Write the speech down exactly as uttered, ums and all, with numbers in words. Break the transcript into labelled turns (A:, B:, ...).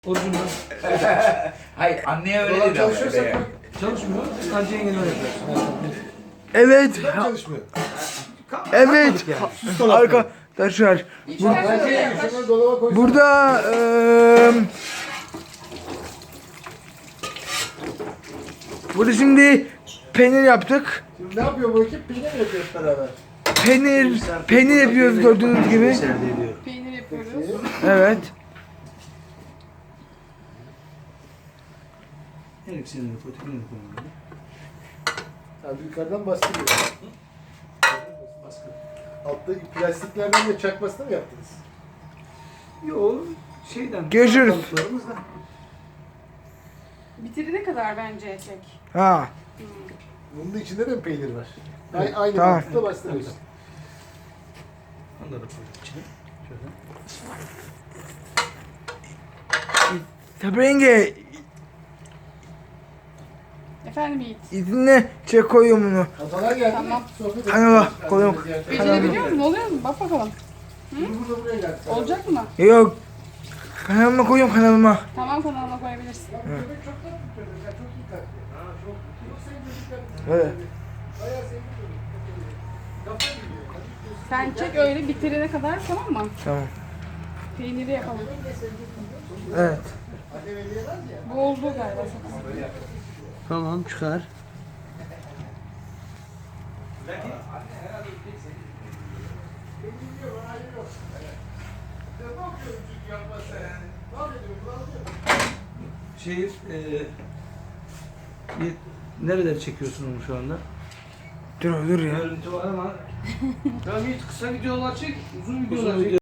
A: Orucum ben.
B: Hayır, anneye öyle
C: Dolap
B: dedi ama.
C: çalışıyorsa
B: öyle.
A: Çalışmıyor. Sadece yengeler yapıyorsun.
D: Evet.
C: Dolap çalışmıyor.
D: Evet.
A: Yani.
D: Arkadaşlar
C: Bence şunları dolaba koysun.
D: burada eee burada şimdi peynir yaptık.
C: Şimdi ne yapıyor bu ekip? Peynir mi yapıyor hep beraber?
D: Peynir peynir yapıyoruz gördüğünüz gibi.
E: Peynir yapıyoruz.
D: Evet.
A: Her ikisini de fotoğrafını koyalım.
C: Abi yukarıdan bastırıyor. Baskı. Altta plastiklerden de çakmasını mı yaptınız?
A: Yo şeyden.
D: Görüşürüz.
A: Balıklarımızdan.
E: Bitirene kadar bence çek.
D: Ha.
C: Bunun içinde de mi peynir var? Aynı, aynı
D: Tamam.
C: mantıkla bastırıyorsun.
A: Onları da koyduk içine. Şöyle.
D: Tabii yenge
E: Efendim Yiğit.
D: izinle çek koyuyorum bunu.
C: Kafalar geldi
E: Tamam.
C: mi? Sohbet
D: Kanala
C: ediyoruz.
D: koyuyorum.
E: Becerebiliyor musun? Oluyor mu? Bak bakalım.
C: Şimdi burada buraya geldi.
E: Olacak mı?
D: Yok. Kanalıma koyuyorum kanalıma.
E: Tamam, kanalına koyabilirsin.
C: Köpek çok tatlı bir çocuk. Yani çok iyi kalpli. Ha, çok, çok sevdiğim çocuk.
D: Evet.
C: Bayağı sevdiğim çocuk. Kafa gidiyor. Hadi gidiyorsun.
E: Sen çek öyle bitirene kadar, tamam mı?
D: Tamam.
E: Peyniri yapalım.
D: Evet.
C: Annem eleyemez ya.
E: Bu oldu galiba sana.
A: Tamam çıkar. Şey, e, bir, nereleri çekiyorsun onu şu anda?
D: Dur dur ya.
A: Görüntü var ama. Tamam hiç kısa videolar çek, uzun videolar çek.